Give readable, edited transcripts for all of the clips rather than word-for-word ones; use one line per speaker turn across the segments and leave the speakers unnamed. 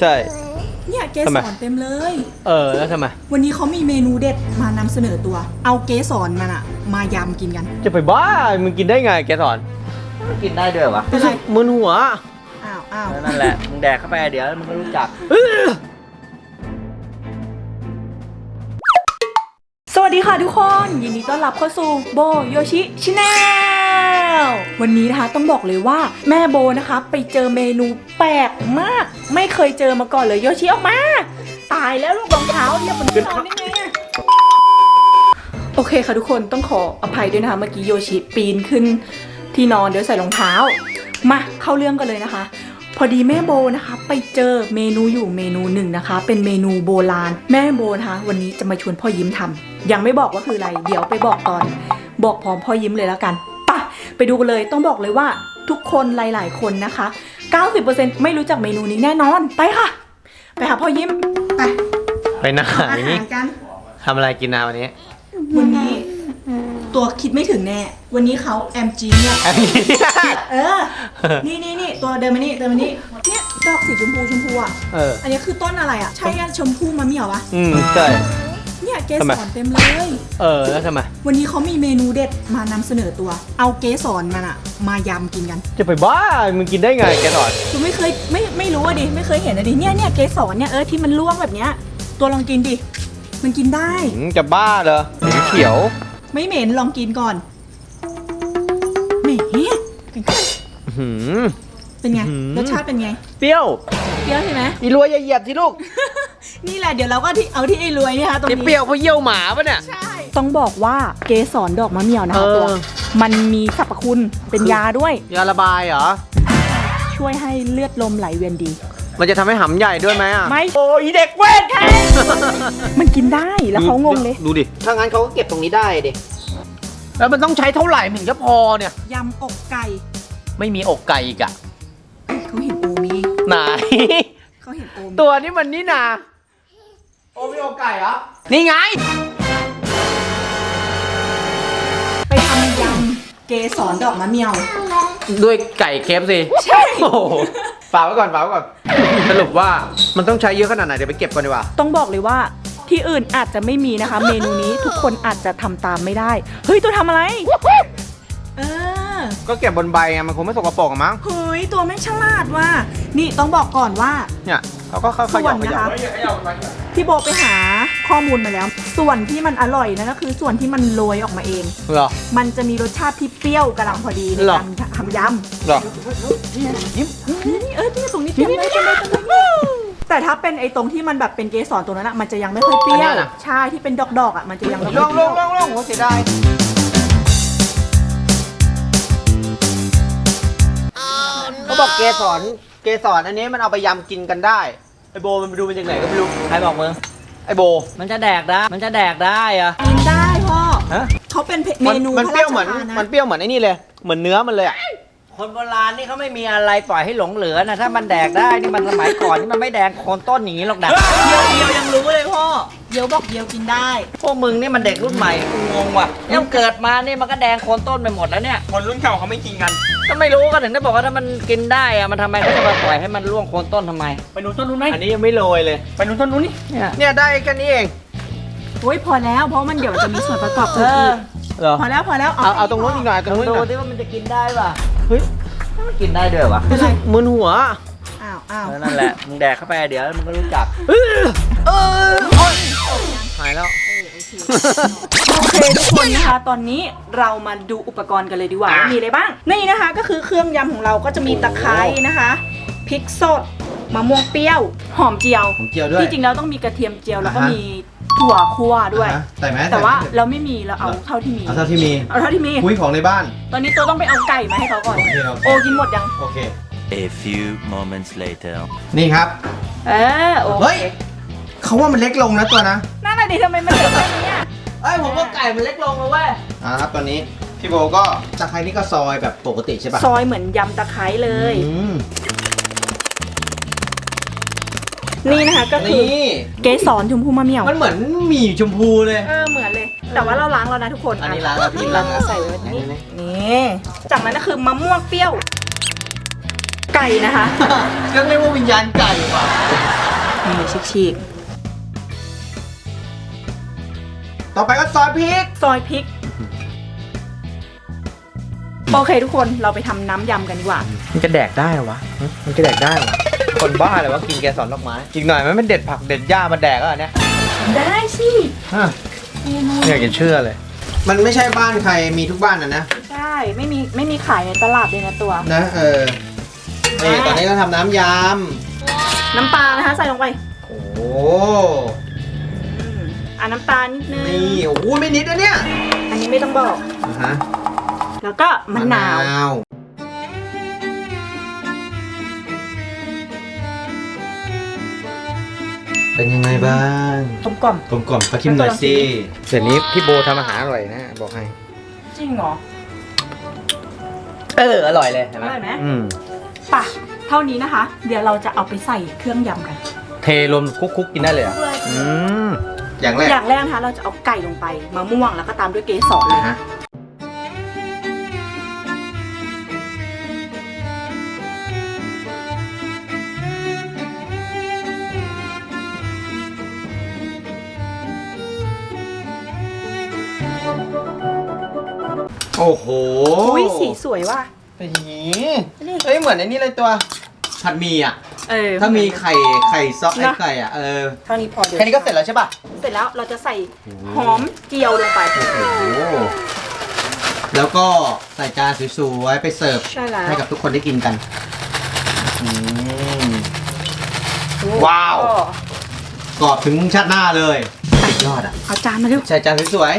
ใช่
เนี่ยเกสรเต็มเลย
แล้วทำไม
วันนี้เขามีเมนูเด็ดมานำเสนอตัวเอาเกสรมันอะมายำกินกัน
จะไปบ้ามึงกินได้ไงแกสอน
กินได้ด้วยวะ
เป็นไร
มึนหัว
อ้าว
นั่นแหละมึงแดกเข้าไปเดี๋ยวมึงก็รู้จัก
สวัสดีค่ะทุกคนยินดีต้อนรับเข้าสู่โบโยชิชาแนลวันนี้นะคะต้องบอกเลยว่าแม่โบนะคะไปเจอเมนูแปลกมากไม่เคยเจอมาก่อนเลยโยชิออกมาตายแล้วลูกรองเท้าเนี่ยมันนอนได้ไงอะโอเคค่ะทุกคนต้องขออภัยด้วยนะคะเมื่อกี้โยชิปีนขึ้นที่นอนเดี๋ยวใส่รองเท้ามาเข้าเรื่องกันเลยนะคะพอดีแม่โบนะคะไปเจอเมนูอยู่เมนูหนึ่งนะคะเป็นเมนูโบราณแม่โบนะคะวันนี้จะมาชวนพ่อยิ้มทำยังไม่บอกว่าคืออะไรเดี๋ยวไปบอกตอนบอกพร้อมพ่อยิ้มเลยแล้วกันไปดูกันเลยต้องบอกเลยว่าทุกคนหลายๆคนนะคะ 90% ไม่รู้จักเมนูนี้แน่นอนไปค่ะไปหาพ่อยิ้ม
ไปไหน
อาหารกัน
ทำอะไรกินนาวันนี้
ตัวคิดไม่ถึงแน่วันนี้เขาแอมจีเนี่ยนี่ตัวเดินมานี่เนี่ยดอกสีชมพูอ่ะอันนี้คือต้นอะไรอ่ะใช่ชมพูมะเหมี่ยววะ
ใช่
เนี่ยเกสรเต็มเลย
แล้วทำไม
วันนี้เขามีเมนูเด็ดมานำเสนอตัวเอาเกสรมันอ่ะมายำกินกัน
จะไปบ้ามึงกินได้ไงแกสอน
กูไม่เคยไม่รู้อ่ะดิไม่เคยเห็นอ่ะดิเนี่ยเกสรเนี่ยที่มันร่วงแบบเนี้ยตัวลองกินดิมันกินได้
จะบ้าเหรอสีเขียว
ไม่เหม็นลองกินก่อนเหม็นเป็นไงรสชาติเป็นไง
เปรี้ยว
ใช่ไหม
อีรวยอย่าเหยียบสิลูก
นี่แหละเดี๋ยวเราก็เอาที่ไอ้รวยเนี่ยค่ะตรงนี้
เปรี้ยวเพราะเยี่ยวหมาปะเนี่ย
ใช่ต้องบอกว่าเกสรดอกมะเหมี่ยวนะคะตัวมันมีสรรพคุณเป็นยาด้วย
ยาระบายเหรอ
ช่วยให้เลือดลมไหลเวียนดี
มันจะทำให้หำใหญ่ด้วยไหมอ่ะ
ไม่โอ้ยเด็กเวทแค่มันกินได้แล้วเขางงเลย
ดูดิ
ถ้างั้นเขาก็เก็บตรงนี้ได้ดิ
แล้วมันต้องใช้เท่าไหร่ถึงจะพอเนี่ย
ยำอกไก่
ไม่มีอกไก่อีกอะ
เขาเห็นโอมี
ไหน
เขาเห็นโอม
ตัวนี้มันนี่นาโอมีอกไก่เหรอนี่ไง
ไปทำยำเกสรดอกมะเหมี่ยว
ด้วยไก่เคฟสิ
ใช่
โอ้ฝากไว้ก่อนสรุปว่ามันต้องใช้เยอะขนาดไหนเดี๋ยวไปเก็บก่อนดีกว่า
ต้องบอกเลยว่าที่อื่นอาจจะไม่มีนะคะเมนูนี้ทุกคนอาจจะทำตามไม่ได้เฮ้ยตัวทำอะไร
ก็เก็บบนใบไงมันคงไม่สกปรกมั้ง
เฮ้ยตัวไม่ฉลาดว่ะนี่ต้องบอกก่อนว่า
เนี่ยเขาก็ค่อยๆนะคะ
พี่โบไปหาข้อมูลมาแล้วส่วนที่มันอร่อยนะก็คือส่วนที่มันโรยออกมาเอง
เหรอ
มันจะมีรสชาติที่เปรี้ยวกำลังพอดีในการทำยำ
เหรอ
นี่ตรงนี้เต็มเลยแต่ถ้าเป็นไอ้ตรงที่มันแบบเป็นเกสรตรงนั้นอะมันจะยังไม่ค่อยเปรี้ยวใช่ที่เป็นดอกๆอะมันจะยังไม่ค่อยเปรี้ยว
ลงโหเสียดายเขาบอกเกสรอันนี้มันเอาไปยำกินกันได้ไอโบมันไปดูมันจากไหนก็ไม่รู้
ใครบอกมึง
ไอโบ
มันจะแดกได้อะ
กินได้พ่อเขาเป็นเมนู
มันเปรี้ยวเหมือนไอ้นี่เลยเหมือนเนื้อมันเลยอะ
คนโบราณนี่เขาไม่มีอะไรปล่อยให้หลงเหลือนะถ้ามันแดกได้นี่มันสมัยก่อนนี่มันไม่แดงโคนต้นอย่างนี้หรอกนะ
เดียวยังรู้เลยพ่อเดียวบอกเดียวกินได้
พวกมึงนี่มันเด็กรุ่นใหม่กูงงว่ะยังเกิดมานี่มันก็แดงโคนต้นไปหมดแล้วเนี่ย
คนรุ่นเก่าเขาไม่กินกัน
ก็ไม่รู้ก็ถึงได้บอกว่าถ้ามันกินได้อะมันทำไมเขาจะมาปล่อยให้มันร่วงโคนต้นทำไม
ไปนู้นต้นนู้นไหมอันนี้ยังไม่โรยเลยไปนู้นต้นนู้นนี่เนี่ยได้แค่นี้เอง
โอ้ยพอแล้วเพราะมันเดี๋ยวจะมีส่วนประกอบอื่นอีกพอแล้ว
เอาตรงนู้นอีกหน่อยตรงนู้น
ดูที่ว่ามันจะกินได้ป่ะเฮ้ยมันกินได้ด้วยวะ
เป็นไร
มึนหัว
อ้าว
นั่นแหละมึงแดกเข้าไปเดี๋ยวมึงก็รู้จัก
หายแล้ว
โอเคทุกคนนะคะตอนนี้เรามาดูอุปกรณ์กันเลยดีกว่ามีอะไรบ้างนี่นะคะก็คือเครื่องยำของเราก็จะมีตะไคร้นะคะพริกสดมะม่วงเปรี้ยวหอมเจียว
ด้วย
ที่จริงแล้วต้องมีกระเทียมเจียวแล้วก็มีถั่วคั่วด้วยแต่ว่าเราไม่มีเราเอาเท่าที่มี
คุยของในบ้าน
ตอนนี้ตัวต้องไปเอาไก่มาให้เขาก่อนโอกินหมดยัง
โอเค
A few moments later
นี่ครับ
โอเค
เขาว่ามันเล็กลงนะตัวนะ
นั่นแหละดิทำไมมันเล็กแบบนี้
ผมว่าไก่มันเล็กลงเลยเว้ย
ครับตอนนี้พี่โบก็ตะไคร้นี่ก็ซอยแบบปกติใช่ปะ
ซอยเหมือนยำตะไคร้เลยนี่นะคะก็คือเกสรชมพูมะเหมี่ยว
มันเหมือนหมี่ชมพูเลย
เหมือนเลยแต่ว่าเราล้างแล้วนะทุกคน
อันนี้ล้างแล้วพี่ล้าง
ใส่ไว้แบบนี้นี่จากนั้นก็คือมะม่วงเปรี้ยวไก่นะคะ
ก็เรียกว่าวิญญาณไก่ว่ะ
ฉีก
ต่อไปก็ซอสพริก
ซอยพริก โอเคทุกคนเราไปทำน้ำยำกันดีกว่า
มันจะแดกได้เหรอวะ มันจะแดกได้เหรอคนบ้าเลยวะกินแกสอนดอกไม้อีกหน่อยมันเด็ดผักเด็ดหญ้ามาแดกแล้วเนี่ย
ได้สิ
ไม่อยากจะเชื่อเลย มันไม่ใช่บ้านใครมีทุกบ้านนะ
ใช่ไม่มีขายในตลาดเลยนะตัว
นะนี่ตอนนี้เราทำน้ำย
น้ำปลานะคะใส่ลงไป
ำโอ้
น้ำตาลนิดนึง
นี่โอ้โหไม่นิดนะเนี่ย
อันนี้ไม่ต้องบอก
ฮะ
แล้วก็มะนาว
เป็นยังไงบ้าง
กลมกล่อม
กลมกล่อมขอชิมหน่อยสิเดี๋ยวนี้พี่โบทำอาหารอร่อยนะบอกให้
จริงเหรอ
อร่อยเลยเห็นไหม
อร่อยไหม
ป่ะ
เท่านี้นะคะ เดี๋ยวเราจะเอาไปใส่เครื่องยำกัน
เทรวมคุกกินได้เลยอ่ะอย่างแรก
อย่างแรกนะคะเราจะเอาไก่ลงไปมะม่วงแล้วก็ตามด้วยเกสรเลย
ฮะโอ้โห
อุ้ยสีสวยว่ะ
เฮ้ยเหมือนไอ้นี่เลยตัวผัดหมี่อ่ะ ถ้ามีไข่ซอสไอ้ไก่อ่ะ
เท่านี้พอเดี๋ยว
แค่นี้ก็เสร็จแล้วใช่ป่ะ
เสร็จแล้วเราจะใส่หอมเจียวลงไป
โอ้โหแล้วก็ใส่จานสวยๆไปเสิร์ฟ
ใช่แล้ว
ให้กับทุกคนได้กินกันว้าว กรอบถึงชาติหน้าเลยสุดยอดอ่ะ
เอาจานมาเร็ว
ใส่จานสวย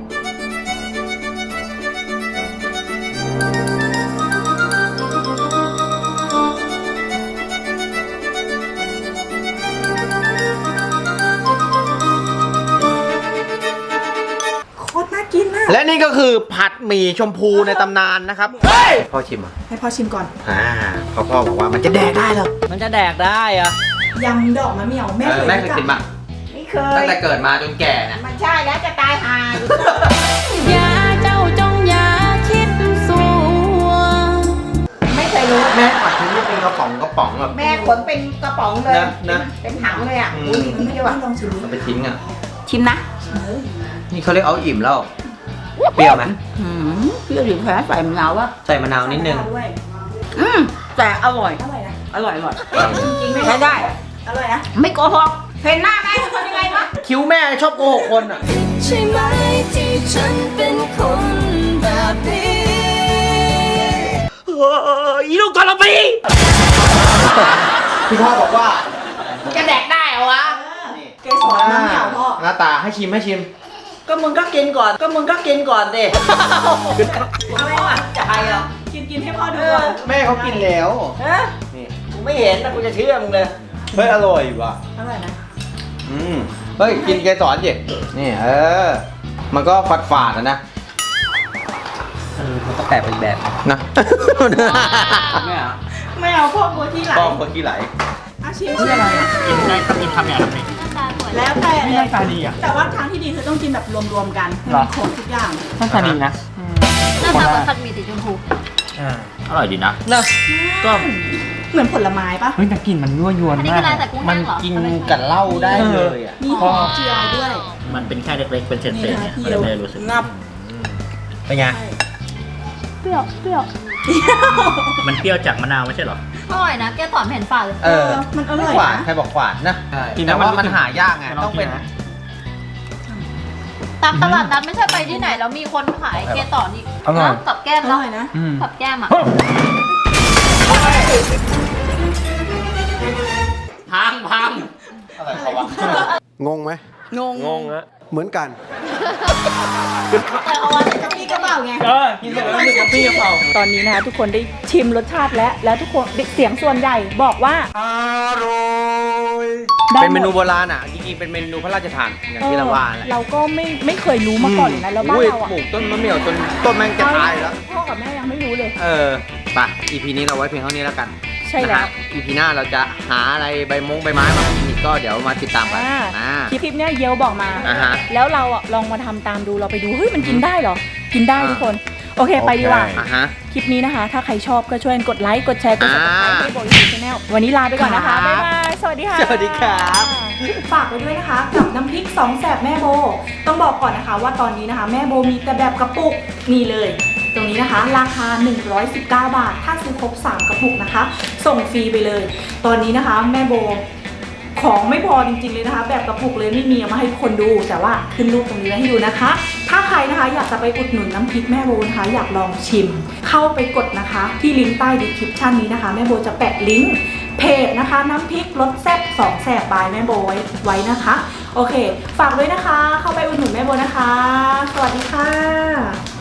โคตรน่ากินนะ
ๆและนี่ก็คือผัดหมี่ชมพูในตำนานนะครับพ่อชิมอ่ะ
ให้พ่อชิมก่อน
พ่อบอกว่ามันจะแดกได้เหรอ
มันจะแดกได้อะ
ยำดอกมะเหมี่ยวแม่เคย
แม่เคยกินป่ะ
ไม่เค
ตั้
ย
งแต่เกิดมาจนแก่นะ
มันใช่แล้วจะตายหา
อย่าเจ้าจงอย่าคิดสัว
ไม่เคยรู้
แม่ผัดทิ้งนี่เป็นกระป๋องแบบ
แม่ขนเป็นกระป๋องเลย
นะ
เป็นถังเลยอ่ะ
อืม
ไม่ได้ว่าลองชิมดู
เอาไปทิ้งอ่ะ
ชิมนะ
นี่เขาเรียกเอาอิ่มแล้ว เปรี้ยวไหม
เปรี้ยวหรือแพ้ใส่มะนาววะ
ใส่มะนาวนิดนึง
ด้วย
แต่อร่อย
อร่อยนะ
อร่อย
จริงๆไม่
ใช้ได้
อร่อยนะ
ไม่โกหกเห็นหน้าไหมคนยังไงวะ
คิ้วแม่ชอบโกหกคนอ่ะ
ใช่ไหมที่ฉันเป็นคนแบบนี้
อีลูกกระปี
พี่พ่อบอกว่า
จะแดกได้เหรอวะ
เกสรน้ำเหนียวพ่อ
หน้าตาให้ชิม
ก็มึงก็กินก่อนดิ
อะไรวะ
จะให้เหรอ
กินให้พ่อดูก่อน
แม่เขากินแล้ว
ฮะ
นี่
กูไม่เห็นนะกูจะเชื่อมึงเลย
เฮ้ยอร่อยว่ะ
อร่อยนะ
เฮ้ยกินเกสรดินี่มันก็ฝาดๆนะ
มันก็แปลกเป็นแบบ
นะ
ไม่เอา
ไม่เอาพ่อกลัวที่ไหล
ป้องคนขี้ไหล
ชิม
นี่อะไรอ่ะกินได้ต้องกินทำอย่างไร
แล้วแต่
นี่หน้าตาดีอ่ะ
แต่ว่าทางที่ดีคือต้องกินแบบรวมๆกันให้มันครบทุกอย่าง
หน้าตาดีนะ
หน้าตาเหมือนผัดหมี่สีชมพู
อร่อยดีนะ
ก็เหมือนผลไม้ปะ
เฮ้ยแต่กลิ่นมันยั่วยวน
อันนี้
มา
คื
ก
ออะไรแต่กุ้ง
มั
แห้
น
งเหรอ
กินกับเหล้าได้เลยอ่ะ
มีหอมเจียวด้วย
มันเป็นแค่เล็กๆเป็นเศษ
นี่
ๆ
นะ
เนี่ย
พี่
มัน
เดียว
เลยไม่ได้รู้สึก
งับ
เป็นไง
เปรี้ยว
มันเปรี้ยวจากมะนาวไม่ใช่เหรอ
อร่อยนะแกสอนไม่เห็นฝาดเลย
มันอร่อย
หวาน
นะ
ใครบอกหวานนะ
กินแล้
แต่
ว
ว่า
มั
มัน
น
หายากไง
ลอง
ต้องเป็น
กินนะ
ตามตลาดนัดไม่ใช่ไปที่ไหนแล้วมีคนขายแกสอนอีก
อร่อย
นะกับแก้ม
อ
แล้ว
ร่อยนะ
กับแก้มอ่ะ
พัง
อะไรเขาวะ
งงไหม
งงฮะ
เหมือนกัน
แต่เอาอะไรกับพี่กระเป๋าไง
กินเสร็จแล้วรู้สึกกระปี้กระเป๋า
ตอนนี้นะคะทุกคนได้ชิมรสชาติแล้วทุกคนเสียงส่วนใหญ่บอกว่า
เป็นเมนูโบราณอ่ะจริงๆเป็นเมนูพระราชทานอย่างที่เราว่าแหละ
เราก็ไม่เคยรู้มาก่อนเลยนะแล้วบ้านเราอ่ะ
ปลูกต้นมะเหมี่ยวจนต้นแมงจะตายแล้ว
พ่อกับแม่ยังไม่รู้เลย
ไป EP นี้เราไว้เพียงเท่านี้แล้วกัน
ใช่แล้ว
นะฮะ EP หน้าเราจะหาอะไรใบไม้มากินอีกก็เดี๋ยวมาติดตามกัน
คลิปเนี้ยเยลบอกมา
อ่าฮะ
แล้วเราอ่ะลองมาทำตามดูเราไปดูเฮ้ยมันกินได้เหรอ กินได้ทุกคนโอเคไปดีกว่า
อ่ะฮะ
คลิปนี้นะคะ ถ้าใครชอบก็ช่วยกดไลค์กดแชร์กด subscribe ให้โบยูชาแนลวันนี้ลาไปก่อนนะคะ
ครับ
บ๊ายบายสวัสดีค่ะ
สวัสดีครับ
ฝากไว้ด้วยนะคะกับน้ำพริกสองแสบแม่โบต้องบอกก่อนนะคะว่าตอนนี้นะคะแม่โบมีแต่แบบกระปุกนี่เลย ตรงนี้นะคะราคา 119 บาท ถ้าซื้อครบ 3 กระปุกนะคะ ส่งฟรีไปเลย ตอนนี้นะคะแม่โบของไม่พอจริงๆเลยนะคะ แบบกระปุกเลยไม่มีเอามาให้ทุกคนดู แต่ว่าขึ้นรูปตรงนี้ไว้ให้ดูนะคะ ถ้าใครนะคะอยากจะไปอุดหนุนน้ำพริกแม่โบนะคะอยากลองชิม เข้าไปกดนะคะ ที่ลิงก์ใต้ดีคริปชั่นนี้นะคะแม่โบจะแปะลิงก์เพจนะคะน้ำพริกรสแซ่บ2แสบบายแม่โบไว้นะคะ โอเค ฝากด้วยนะคะ เข้าไปอุดหนุนแม่โบนะคะ สวัสดีค่ะ